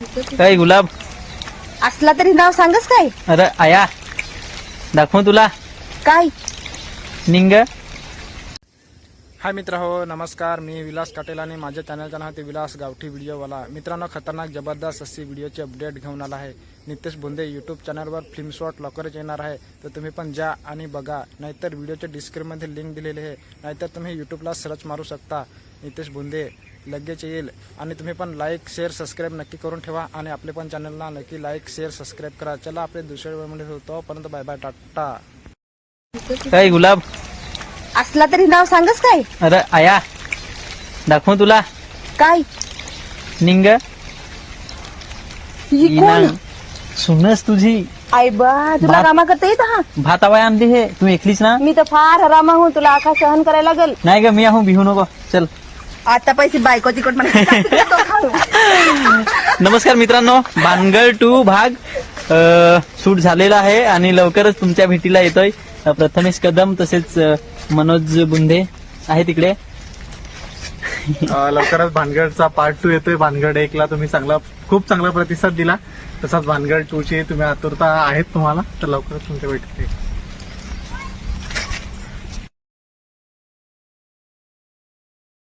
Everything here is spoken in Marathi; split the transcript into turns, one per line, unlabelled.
काय गुलाब
असला तरी नाव सांगस काय?
अरे आया दाखव तुला
काय
निंग.
हाय मित्र हो नमस्कार, मी विलास काटेल आणि माझ्या चॅनलचं नाव ते विलास गावठी व्हिडिओवाला. मित्रांनो, खतरनाक जबरदस्त अशी व्हिडिओची अपडेट घेऊन आला आहे. नितेश बोंदे यूट्यूब चॅनलवर फिल्म शॉट लवकरच येणार आहे, तर तुम्ही पण जा आणि बघा. नाहीतर व्हिडिओच्या डिस्क्रिप्शनमध्ये लिंक दिलेली आहे, नाहीतर तुम्ही यूट्यूबला सर्च मारू शकता नितेश बोंदे, लगेच येईल. आणि तुम्ही पण लाईक शेअर सबस्क्राईब नक्की करून ठेवा आणि आपले पण चॅनलला नक्की लाईक शेअर सबस्क्राईब करा. चला आपले दुसऱ्या वेळेमध्ये होतो, पर्यंत बाय बाय, टाटा.
काय गुलाब
असला तरी नाव सांगस काय?
अरे आया दाखव तुला
काय
निंग.
ही कोण?
सुनस तुझी
आई बा, तुला
बाप.
रामा करता येत हा?
भात आवाय आणते हे तू एकलीच ना?
मी तर फार हरामा हूं, तुला आखा सहन करायला लागल.
नाही ग मी आहो, भिवू नको चल.
आता पैसे बायको तिकट मला
नमस्कार मित्रांनो, भानगड 2 भाग शूट झालेला आहे आणि लवकरच तुमच्या भेटीला येतोय. प्रथमेश कदम तसेच मनोज बुंदे आहे तिकडे.
लवकरच भानगडचा पार्ट 2 येतोय. भानगड 1 ला तुम्ही खूप चांगला प्रतिसाद दिला, तसाच भानगड 2 ची तुम्ही आतुरता आहेत तुम्हाला, तर लवकरच तुमच्या भेटीत